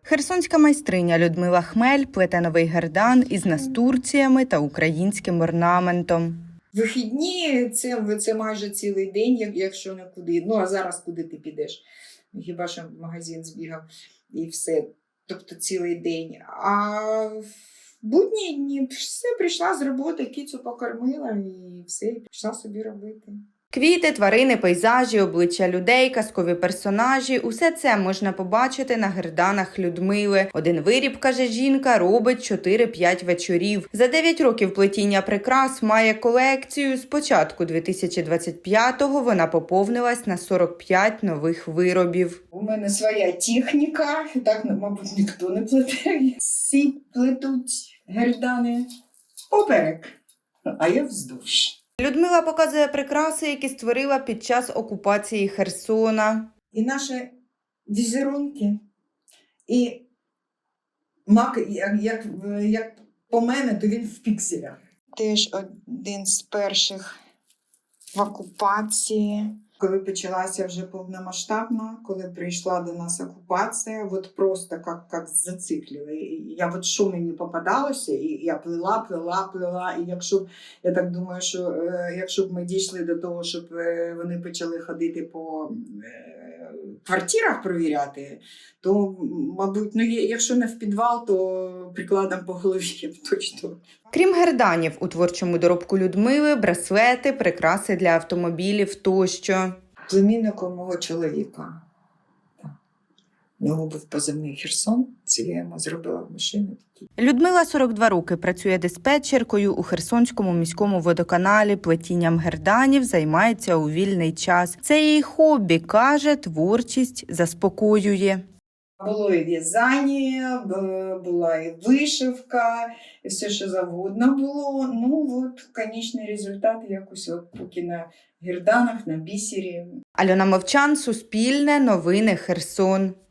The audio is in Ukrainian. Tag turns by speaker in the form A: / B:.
A: Херсонська майстриня Людмила Хмель плете новий гердан із настурціями та українським орнаментом.
B: Вихідні це майже цілий день, якщо не куди. Ну, а зараз куди ти підеш? Хіба що в магазин збігав і все. Тобто цілий день. А в будні дні все, прийшла з роботи, кицю покормила і все, і пішла собі робити.
A: Квіти, тварини, пейзажі, обличчя людей, казкові персонажі – усе це можна побачити на герданах Людмили. Один виріб, каже жінка, робить 4-5 вечорів. За 9 років плетіння прикрас має колекцію. З початку 2025-го вона поповнилась на 45 нових виробів.
B: У мене своя техніка, так, мабуть, ніхто не плете. Всі плетуть гердани поперек, а я вздовж.
A: Людмила показує прикраси, які створила під час окупації Херсона.
B: І наші візерунки, і мак, як по мене, то він в пікселях. Теж один з перших в окупації. Коли почалася вже повномасштабна, коли прийшла до нас окупація, от просто як зациклили. Я що мені попадалося, і я плела. І якщо, я так думаю, що якщо б ми дійшли до того, щоб вони почали ходити по квартирах провіряти, то, мабуть, ну, якщо не в підвал, то прикладом по голові точно.
A: Крім герданів, у творчому доробку Людмили – браслети, прикраси для автомобілів тощо.
B: Племінником мого чоловіка. У нього був позивний Херсон, це я йому зробила в машині.
A: Людмила 42 роки працює диспетчеркою у Херсонському міському водоканалі, плетінням герданів займається у вільний час. Це її хобі, каже, творчість заспокоює.
B: Було і в'язання, була і вишивка, і все, що завгодно було. Ну, от, конечний результат якось от поки на герданах, на бісері.
A: Альона Мовчан, Суспільне, Новини, Херсон.